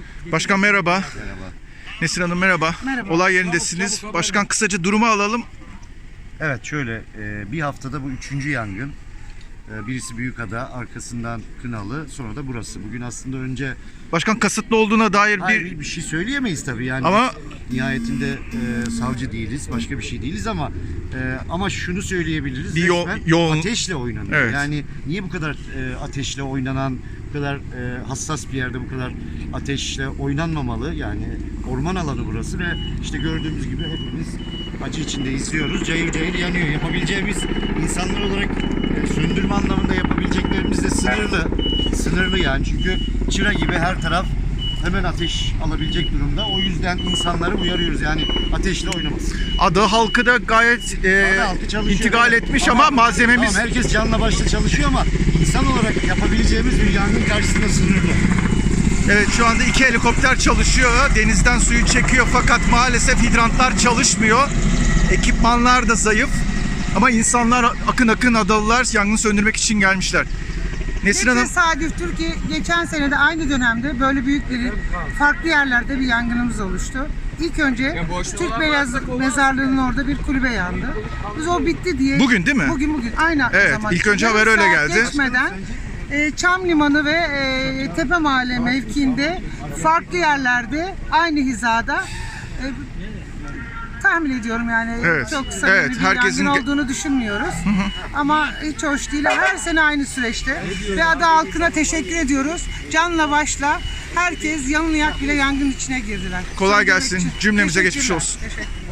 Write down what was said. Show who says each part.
Speaker 1: Başkan merhaba.
Speaker 2: Merhaba.
Speaker 1: Nesrin Hanım merhaba.
Speaker 3: Merhaba.
Speaker 1: Olay yerindesiniz. Başkan kısaca durumu alalım.
Speaker 2: Evet şöyle bir haftada bu 3. yangın. Birisi Büyükada, arkasından Kınalı, sonra da burası. Bugün aslında önce
Speaker 1: Başkan kasıtlı olduğuna dair
Speaker 2: bir şey söyleyemeyiz tabii yani.
Speaker 1: Ama
Speaker 2: nihayetinde savcı değiliz, başka bir şey değiliz ama şunu söyleyebiliriz.
Speaker 1: Bir
Speaker 2: resmen
Speaker 1: yoğun
Speaker 2: ateşle oynanıyor.
Speaker 1: Evet.
Speaker 2: Yani niye bu kadar ateşle oynanan, bu kadar hassas bir yerde bu kadar ateşle oynanmamalı? Yani orman alanı burası ve işte gördüğümüz gibi hepimiz acı içinde izliyoruz. Cayır cayır yanıyor. Yapabileceğimiz insanlar olarak söndürme anlamında yapabileceklerimiz de sınırlı. Sınırlı yani çünkü çıra gibi her taraf hemen ateş alabilecek durumda. O yüzden insanları uyarıyoruz yani ateşle oynamasın.
Speaker 1: ada halkı da gayet
Speaker 2: Halkı çalışıyor,
Speaker 1: intikal
Speaker 2: evet.
Speaker 1: etmiş ama malzememiz...
Speaker 2: Tamam, herkes canla başla çalışıyor ama insan olarak yapabileceğimiz bir yangın karşısında sınırlı.
Speaker 1: Evet, şu anda 2 helikopter çalışıyor. Denizden suyu çekiyor fakat maalesef hidrantlar çalışmıyor. Ekipmanlar da zayıf. Ama insanlar akın akın, adalılar yangını söndürmek için gelmişler. Nesrin Hanım,
Speaker 3: Tesadüftür ki geçen sene de aynı dönemde böyle büyük bir farklı yerlerde bir yangınımız oluştu. İlk önce Türk Beyaz Mezarlığı'nın orada bir kulübe yandı. Biz o bitti diye...
Speaker 1: Bugün değil mi?
Speaker 3: Bugün. Aynı
Speaker 1: Evet,
Speaker 3: zaman.
Speaker 1: ilk önce
Speaker 3: Yarım
Speaker 1: haber öyle
Speaker 3: saat
Speaker 1: geldi.
Speaker 3: Geçmeden Çam Limanı ve Tepe Mahalle mevkiinde farklı yerlerde aynı hizada tahmin ediyorum yani
Speaker 1: Evet,
Speaker 3: çok samimi
Speaker 1: evet,
Speaker 3: bir
Speaker 1: herkesin
Speaker 3: yangın olduğunu düşünmüyoruz. Ama hiç hoş değil. Her sene aynı süreçte. Ve ada halkına teşekkür ediyoruz. Canla başla herkes yanını yak bile yangın içine girdiler.
Speaker 1: Kolay
Speaker 3: Söndürmek
Speaker 1: gelsin.
Speaker 3: için.
Speaker 1: Cümlemize geçmiş
Speaker 3: Teşekkürler.
Speaker 1: olsun.
Speaker 3: Teşekkür.